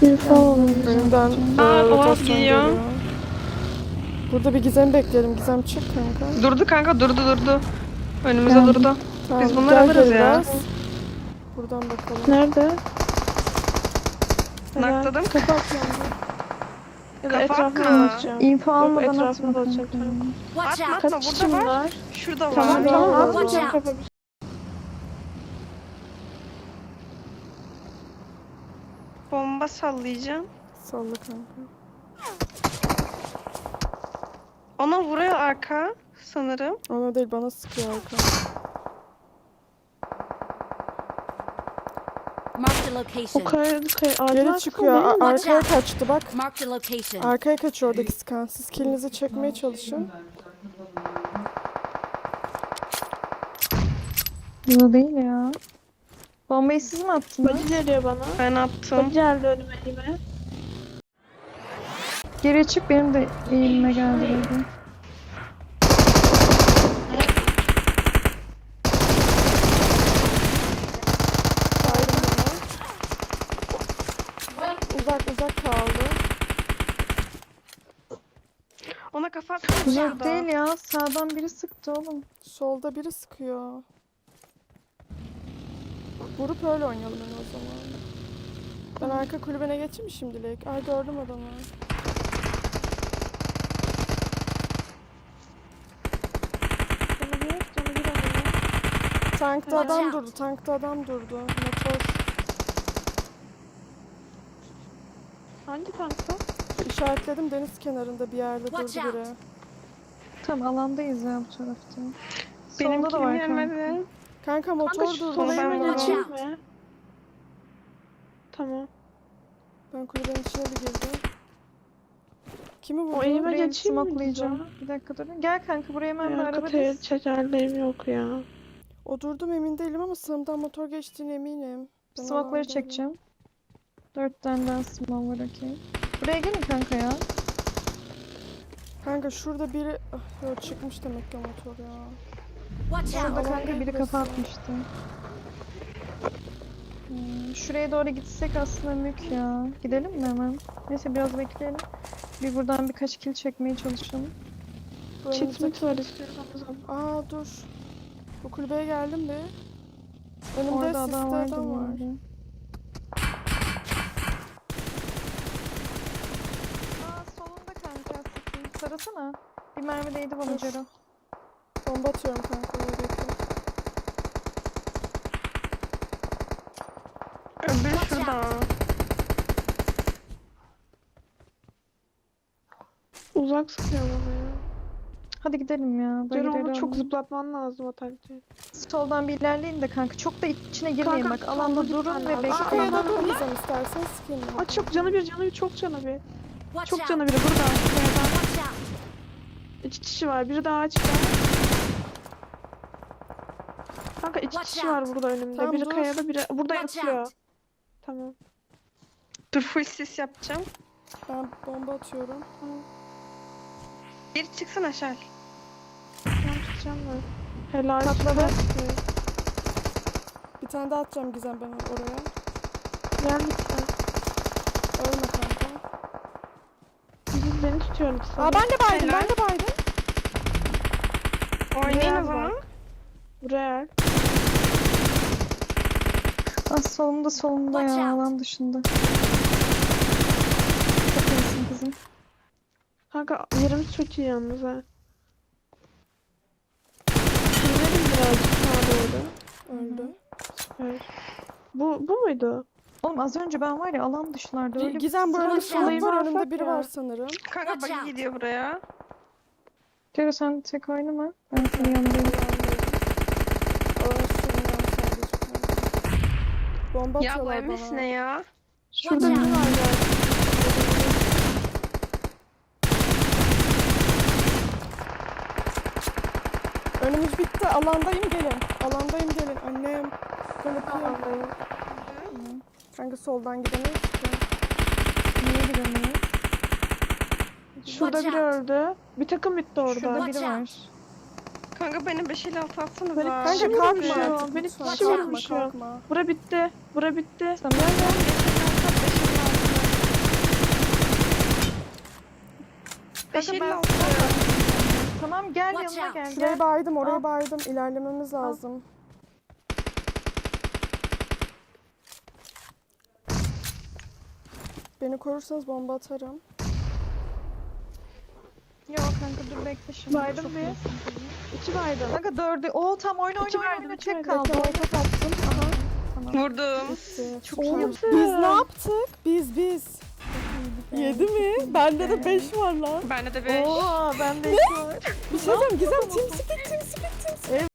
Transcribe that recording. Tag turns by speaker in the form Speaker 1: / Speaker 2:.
Speaker 1: Önümden
Speaker 2: Boğaz
Speaker 1: rotasyon
Speaker 2: geliyor.
Speaker 1: geliyor. Burada bir Gizem bekleyelim. Gizem çık kanka.
Speaker 2: Durdu kanka, durdu. Önümüze
Speaker 3: Geldim.
Speaker 2: durdu.
Speaker 1: Tamam,
Speaker 2: Biz bunları
Speaker 1: gel
Speaker 2: alırız
Speaker 1: geri
Speaker 2: ya.
Speaker 1: biraz. Buradan bakalım.
Speaker 3: Nerede?
Speaker 2: Nakladım.
Speaker 3: Kafa atıyorum. Ya da
Speaker 2: Kafa
Speaker 3: etrafına
Speaker 2: atma.
Speaker 3: dolaşacağım.
Speaker 4: İnfo
Speaker 3: Yok,
Speaker 4: almadan
Speaker 3: etrafına
Speaker 4: atma
Speaker 3: dolaşacağım.
Speaker 4: kanka.
Speaker 5: Watch
Speaker 2: Atma
Speaker 5: out!
Speaker 2: atma,
Speaker 3: Kaç
Speaker 2: burada
Speaker 3: kişi
Speaker 2: var.
Speaker 3: var?
Speaker 2: Şurada var.
Speaker 3: Tamam
Speaker 1: Tamam,
Speaker 3: atmayacağım
Speaker 5: watch
Speaker 3: kafa.
Speaker 2: Bomba sallayacağım.
Speaker 1: Salla kanka.
Speaker 2: Ona vuruyor arka sanırım.
Speaker 1: Ona değil, bana sıkıyor arka.
Speaker 5: Marked a
Speaker 3: O
Speaker 5: location.
Speaker 3: ağacın
Speaker 1: Geri
Speaker 3: arkasında
Speaker 1: çıkıyor.
Speaker 3: değil mi?
Speaker 1: Arkaya kaçtı bak.
Speaker 5: Marked a location.
Speaker 1: Arkaya kaçıyor oradaki skan. Siz kilinizi çekmeye çalışın.
Speaker 4: Bu değil ya. Bombayı siz mi attınız?
Speaker 3: Bacı geliyor bana.
Speaker 2: Ben attım.
Speaker 3: Bacı geldi önüme elime.
Speaker 4: Geri çık, benim de eğilime geldi dedi.
Speaker 1: Uzak kaldı.
Speaker 2: Ona kafa atma.
Speaker 4: Uzak değil ya. Sağdan biri sıktı oğlum.
Speaker 1: Solda biri sıkıyor. Vurup öyle oynayalım yani o zaman. Ben arka kulübene geçeyim mi şimdilik? Ay, gördüm adamı.
Speaker 3: Canı bir adamı.
Speaker 1: Tankta adam durdu. Tankta adam durdu. Motor
Speaker 3: Hangi tankta?
Speaker 1: işaretledim, deniz kenarında bir yerde
Speaker 5: Watch
Speaker 1: durdu biri.
Speaker 5: out.
Speaker 4: Tamam, alandayız ya bu tarafta.
Speaker 2: Benim
Speaker 4: Solda da var
Speaker 2: kilim
Speaker 4: kanka.
Speaker 2: yemedi.
Speaker 1: Kanka motor
Speaker 3: Kanka şu
Speaker 1: durdu.
Speaker 3: sola
Speaker 2: ben
Speaker 3: hemen
Speaker 2: vurdum.
Speaker 3: geçeyim mi? Tamam.
Speaker 1: Ben kulübenin içine bir girdim. Kimi vurdu?
Speaker 3: O elime
Speaker 4: Burayı
Speaker 3: geçeyim mi?
Speaker 4: smokelayacağım. Bir dakika durun. Gel kanka, buraya hemen bir
Speaker 3: Ya
Speaker 4: araba
Speaker 3: kataya
Speaker 4: diz.
Speaker 3: çekerliğim yok ya.
Speaker 1: O durdum emin değilim ama sağımdan motor geçtiğine eminim. Ben
Speaker 4: Smoke'ları
Speaker 1: alandaydım.
Speaker 4: çekeceğim. 4 tane daha smoke var, okey. Buraya gelin kanka ya.
Speaker 1: Kanka şurada biri... Ah, yok, çıkmış demek ki o motor ya.
Speaker 5: Watch
Speaker 4: Burada
Speaker 5: out!
Speaker 4: kanka biri kafa atmıştı. Şuraya doğru gitsek aslında mük ya. Gidelim mi hemen? Neyse, biraz bekleyelim. Bir buradan birkaç kill çekmeye çalışalım.
Speaker 1: Bu
Speaker 3: Çit
Speaker 1: önümüzdeki-
Speaker 3: mit var istiyorsanız ama.
Speaker 1: Aa, dur. Bu kulübeye geldim bir. Önümde
Speaker 4: Orada
Speaker 1: sisli
Speaker 4: adam vardı
Speaker 1: adam
Speaker 4: bu
Speaker 1: var.
Speaker 4: arada. Aa, solunda kanka. Sıkın. Sarasana. Bir mermi değdi bana
Speaker 1: Dur.
Speaker 4: Cero.
Speaker 1: Bomba atıyorum kanka. Oraya bekle.
Speaker 2: Öbürü şurada.
Speaker 3: Uzak sıkıyor bana ya.
Speaker 4: Hadi gidelim ya.
Speaker 3: Ceren onu
Speaker 4: Bayılırım.
Speaker 3: çok zıplatman lazım o taktiği.
Speaker 4: Soldan bir ilerleyin de kanka. Çok da içine girmeyin
Speaker 3: Kanka,
Speaker 4: bak. Alanda
Speaker 3: solda bir
Speaker 4: durun
Speaker 3: tane
Speaker 4: ve
Speaker 3: adam.
Speaker 4: bekleyin.
Speaker 1: Arkaya da durmayacağım istersen, sıkayım.
Speaker 3: Aa, çok canı bir, çok canı bir.
Speaker 5: Watch
Speaker 3: Çok
Speaker 5: out!
Speaker 3: canı biri burada. Kayadan.
Speaker 5: Watch out!
Speaker 3: 2 kişi var. Biri daha açıkta. Kanka 2
Speaker 5: Watch
Speaker 3: kişi var
Speaker 5: out.
Speaker 3: burada önümde.
Speaker 1: Tamam,
Speaker 3: Biri
Speaker 1: dur.
Speaker 3: kayada, biri burada
Speaker 5: Watch
Speaker 3: yatıyor.
Speaker 5: out!
Speaker 3: Tamam.
Speaker 2: Dur, full sis yapacağım.
Speaker 1: Ben bomba atıyorum.
Speaker 2: Bir çıksın aşağı.
Speaker 3: Tamam, tutacağım ben. Helal.
Speaker 4: Patladı.
Speaker 1: Bir tane daha atacağım Gizem ben oraya.
Speaker 3: Gel lütfen.
Speaker 1: Ölme kanka.
Speaker 3: Beni tutuyor lütfen.
Speaker 1: Aa, ben de baydım,
Speaker 2: Helal.
Speaker 1: ben de baydım.
Speaker 2: Oynayın o
Speaker 3: Buraya
Speaker 2: zaman.
Speaker 3: bak. Buraya.
Speaker 4: Ah, solunda
Speaker 5: Watch
Speaker 4: ya.
Speaker 5: out.
Speaker 4: Alan dışında. Çok iyisin kızım.
Speaker 3: Kanka yerimiz çok iyi yalnız ha. İnelim birazcık sağa doğru.
Speaker 1: Öldü.
Speaker 3: Evet. Bu muydu?
Speaker 4: Oğlum az önce ben var ya alan dışlarda öyle
Speaker 1: Gizem, bu önümde
Speaker 5: Watch out.
Speaker 1: smoke var,
Speaker 3: Alsak
Speaker 1: önümde biri
Speaker 3: ya.
Speaker 1: var sanırım.
Speaker 2: Kanka
Speaker 5: Watch
Speaker 2: buggy
Speaker 5: out.
Speaker 2: gidiyor buraya.
Speaker 4: Cero, sen tek oynama. Ben senin yanındayım.
Speaker 1: Bomba
Speaker 2: Ya bu
Speaker 1: atıyorlar
Speaker 2: emiş
Speaker 1: bana.
Speaker 2: ne ya?
Speaker 3: Şurada
Speaker 5: Watch
Speaker 3: biri
Speaker 5: out.
Speaker 3: var galiba.
Speaker 1: Önümüz bitti. Alandayım, gelin. Alandayım, gelin. Annem. Ben bakıyorum. Kanka soldan gidemeyiz ki.
Speaker 4: Niye gidemeyiz?
Speaker 3: Şurada
Speaker 5: Watch
Speaker 3: biri
Speaker 5: out.
Speaker 3: öldü. Bir takım bitti orada.
Speaker 4: Şurada
Speaker 5: Watch
Speaker 4: biri
Speaker 5: out.
Speaker 4: var.
Speaker 2: Kanka benim 556 atsanıza.
Speaker 3: Beni
Speaker 1: Kanka
Speaker 3: kişi
Speaker 1: kalkma
Speaker 3: vurmuş
Speaker 1: artık.
Speaker 3: ya. Beni
Speaker 1: lütfen.
Speaker 3: kişi
Speaker 5: Kalkma,
Speaker 3: vurmuş ya.
Speaker 1: kalkma.
Speaker 3: Bura bitti. Bura bitti.
Speaker 4: Tamam.
Speaker 2: Gel gel. 556 556. 556.
Speaker 4: Tamam gel
Speaker 5: Watch
Speaker 4: yanıma
Speaker 5: out.
Speaker 4: gel.
Speaker 1: Şurayı
Speaker 4: Gel.
Speaker 1: baydım, orayı
Speaker 4: Al.
Speaker 1: baydım. İlerlememiz lazım. Beni korursanız bomba atarım.
Speaker 4: Yok kanka dur bekle şimdi.
Speaker 3: Baydım
Speaker 4: Çok
Speaker 3: bir.
Speaker 4: iyisin.
Speaker 3: 2 baydım.
Speaker 4: Kanka 4'ü. Oo tam oyna
Speaker 3: İki
Speaker 4: oyna
Speaker 3: verdim,
Speaker 4: oyna.
Speaker 3: iki
Speaker 4: Tek
Speaker 3: verdim.
Speaker 4: kaldı.
Speaker 1: Bekle, orta attım. Aha.
Speaker 2: Vurdum.
Speaker 1: Bitti.
Speaker 4: Çok
Speaker 1: Oğlum,
Speaker 4: iyi.
Speaker 1: biz ne yaptık? Biz. 7 mi? Bende de 5 var lan.
Speaker 2: Bende de 5.
Speaker 4: Oo ben de 2 var.
Speaker 1: Bir şey diyeceğim. Gizem, team speak.